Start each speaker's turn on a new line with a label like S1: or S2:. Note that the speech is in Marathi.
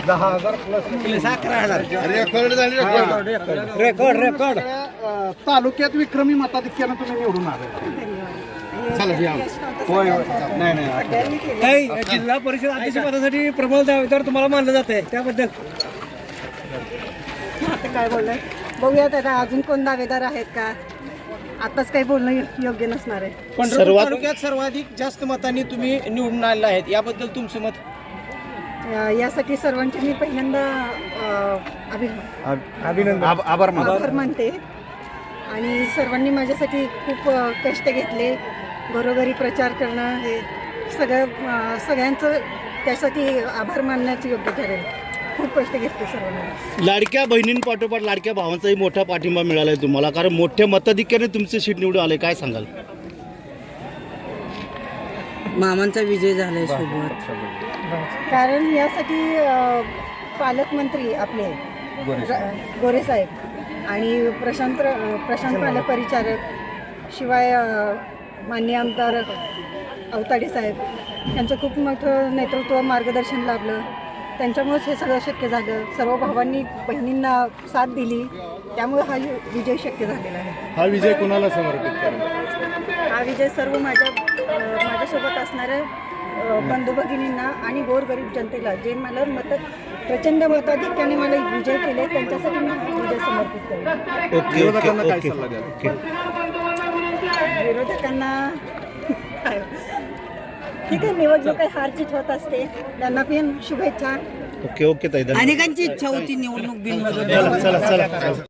S1: 10,000 प्लस
S2: 11,000
S1: रेकॉर्ड तालुक्यात विक्रमी मताधिक्यानं तुम्ही निवडून आले. होय नाही
S3: काही जिल्हा परिषद अध्यक्षपदासाठी प्रबळ दावेदार तुम्हाला मानलं जात आहे, त्याबद्दल
S4: आता काय बोलणार बघूयात. आता अजून कोण दावेदार आहेत का, आताच काही बोलणं योग्य नसणार आहे.
S3: पंढरपूर तालुक्यात सर्वाधिक जास्त मतांनी तुम्ही निवडून आलेला आहेत, याबद्दल तुमचं मत?
S4: यासाठी सर्वांचे मी पहिल्यांदा
S1: अभिनंदन आभार
S4: आभार मानते. आणि सर्वांनी माझ्यासाठी खूप कष्ट घेतले. घरोघरी प्रचार करणं हे सगळ्यांचं त्यासाठी आभार मानण्याचं योग्य ठरेल. खूप कष्ट घेतले सर्वांनी.
S2: लाडक्या बहिणींपाठोपाठ लाडक्या भावांचाही मोठा पाठिंबा मिळाला आहे तुम्हाला, कारण मोठ्या मताधिक्याने तुमचे सीट निवडून आले, काय सांगाल?
S5: मामांचा विजय झालाय सोबत.
S4: कारण यासाठी पालकमंत्री आपले गोरे साहेब आणि प्रशांत पालक परिचारक, शिवाय माननीय आमदार अवताडे साहेब यांचं खूप मोठं नेतृत्व मार्गदर्शन लाभलं. त्यांच्यामुळेच हे सगळं शक्य झालं. सर्व भावांनी बहिणींना साथ दिली, त्यामुळे हा विजय शक्य झालेला आहे.
S1: हा विजय कोणाला समर्पित करा?
S4: हा विजय सर्व माझ्यासोबत असणाऱ्या बंधू भगिनींना आणि गोरगरीब जनतेला, जे मला प्रचंड मताधिक्याने मला विजय केले, त्यांच्यासाठी मी हा विजय समर्पित करेन.
S1: विरोधकांना काय सल्ला द्याल?
S4: विरोधकांना ठीक आहे, निवडणूक काही हारजीत होत असते, त्यांना पण शुभेच्छा.
S2: ओके ताई,
S5: अनेकांची इच्छा होती निवडणूक बिनमध्ये.
S2: चला